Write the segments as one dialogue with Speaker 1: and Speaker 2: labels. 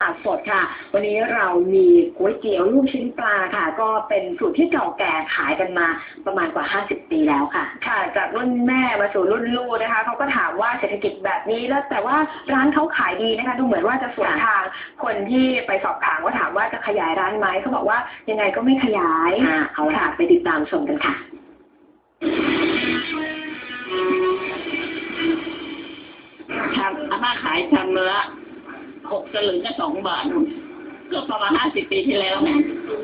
Speaker 1: สดค่ะวันนี้เรามีก๋วยเตี๋ยวลูกชิ้นปลาค่ะก็เป็นสูตรที่เก่าแก่ขายกันมาประมาณกว่า50ปีแล้วค่ะค่ะจากรุ่นแม่มาสู่รุ่นลูกนะคะเขาก็ถามว่าเศรษฐกิจแบบนี้แล้วแต่ว่าร้านเขาขายดีนะคะดูเหมือนว่าจะสวนทางคนที่ไปสอบถามว่าถามว่าจะขยายร้านไหมเขาบอกว่ายังไงก็ไม่ขยายเอาละไปติดตามชมกันค่ะ
Speaker 2: อาม่าขายชามละ6 สลึงก็2 บาทก็ประมาณ50 ปีที่แล้วนะ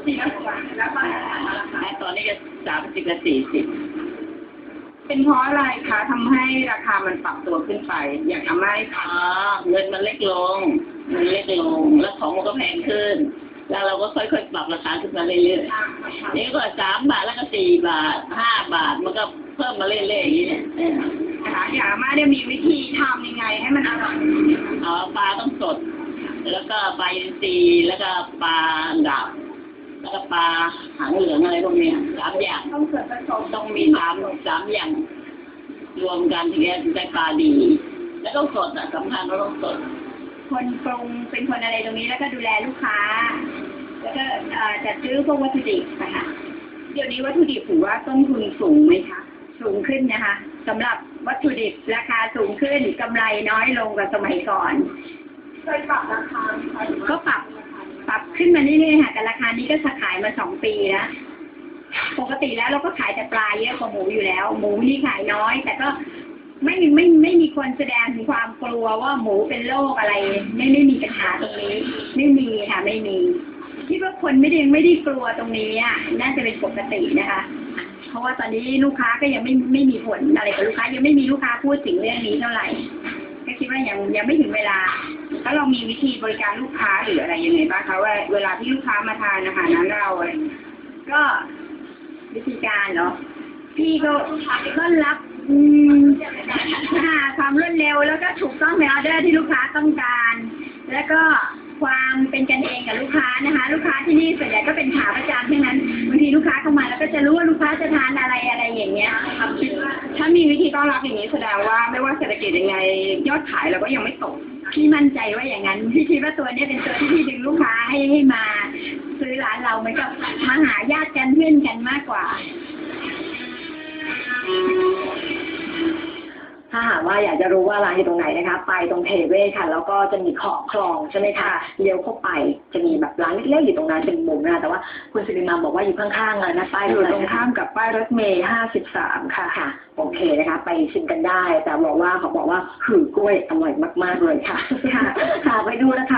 Speaker 2: ตอนนี้ก็30 กับ 40
Speaker 3: เป็นเพราะอะไรคะทำให้ราคามันปรับตัวขึ้นไปอย่างอาม่า
Speaker 2: เงินมันเล็กลงแล้วของมันก็แพงขึ้นแล้วเราก็ค่อยๆปรับราคาขึ้นมาเรื่อยๆนี่ก็3 บาทแล้วก็4 บาท5 บาทมันก็เพิ่มมาเรื่อยๆอย่างนี้เนี่ย
Speaker 3: นะคะอย่างอาม่าเนี่ยมีวิธีทำยังไงให้มันอร่อย
Speaker 2: ปลาต้องสดแล้วก็ปลาอินทรีแล้วก็ปลาดับแล้วก็ปลาหางเหลืองอะไรพวกนี้3 อย่าง
Speaker 3: ต้องส่วนผสม
Speaker 2: ต้องมี3 อย่างรวมกันถึงจะได้ปลาดี แล้วก็สดสำคัญว่าต้องสด
Speaker 3: คนปรุงเป็นคนอะไรตรงนี้แล้วก็ดูแลลูกค้าแล้วก็จัดซื้อพวกวัตถุดิบนะคะเดี๋ยวนี้วัตถุดิบถือว่าต้นทุนสูงไหมคะสูงขึ้นนะคะสำหรับวัตถุดิบราคาสูงขึ้นกำไรน้อยลงกว่าสมัยก่อนเคยปรับราคาก็ปรับขึ้นมาเรื่อยๆค่ะแต่ราคานี้ก็ขายมา2 ปีแล้วปกติแล้วเราก็ขายแต่ปลาเยอะกว่าหมูอยู่แล้วหมูนี่ขายน้อยแต่ก็ไม่มีคนแสดงถึงความกลัวว่าหมูเป็นโรคอะไรไม่มีปัญหาตรงนี้ไม่มีค่ะไม่มีคิดว่าคนไม่ได้กลัวตรงนี้อ่ะน่าจะเป็นปกตินะคะเพราะว่าตอนนี้ลูกค้าก็ยังไม่มีผลอะไรกับลูกค้ายังไม่มีลูกค้าพูดถึงเรื่องนี้เท่าไหร่ก็คิดว่ายังไม่ถึงเวลาแล้วเรามีวิธีบริการลูกค้าหรืออะไรยังไงบ้างคะว่าเวลาที่ลูกค้ามาทานอาหารร้านเราอะไรก็วิธีการเนาะพี่ก็รับความรวดเร็วแล้วก็ถูกต้องในออเดอร์ที่ลูกค้าต้องการแล้วก็ความเป็นกันเองกับลูกค้านะคะลูกค้าที่นี่ส่วนใหญ่ก็เป็นขาประจำทั้งนั้นบางทีลูกค้าเข้ามาแล้วก็จะรู้ว่าลูกค้าจะทานอะไรอย่างเงี้ยถ้ามีวิธีต้อนรับอย่างนี้แสดงว่าไม่ว่าเศรษฐกิจยังไงยอดขายเราก็ยังไม่ตกพี่มั่นใจว่าอย่างนั้นพี่คิดว่าตัวนี้เป็นตัวที่ดึงลูกค้าให้มาซื้อร้านเราเหมือนกับมาหาญาติกันเพื่อนกันมากกว่า
Speaker 1: ถ้าหากว่าอยากจะรู้ว่าร้านอยู่ตรงไหนนะคะไปตรงเทเวศค่ะแล้วก็จะมีขอบคลองใช่ไหมคะเลี้ยวเข้าไปจะมีแบบร้านเล็กๆอยู่ตรงนั้นเป็นมุมนะแต่ว่าคุณสิริมาบอกว่าอยู่ข้างๆเลยนะป้ายอยู่ตรงข้ามกับป้ายรถเมล์53ค่ะโอเคนะคะไปชิมกันได้แต่บอกว่าเขาบอกว่าหือกล้วยอร่อยมากๆเลยค่ะไปดูนะคะ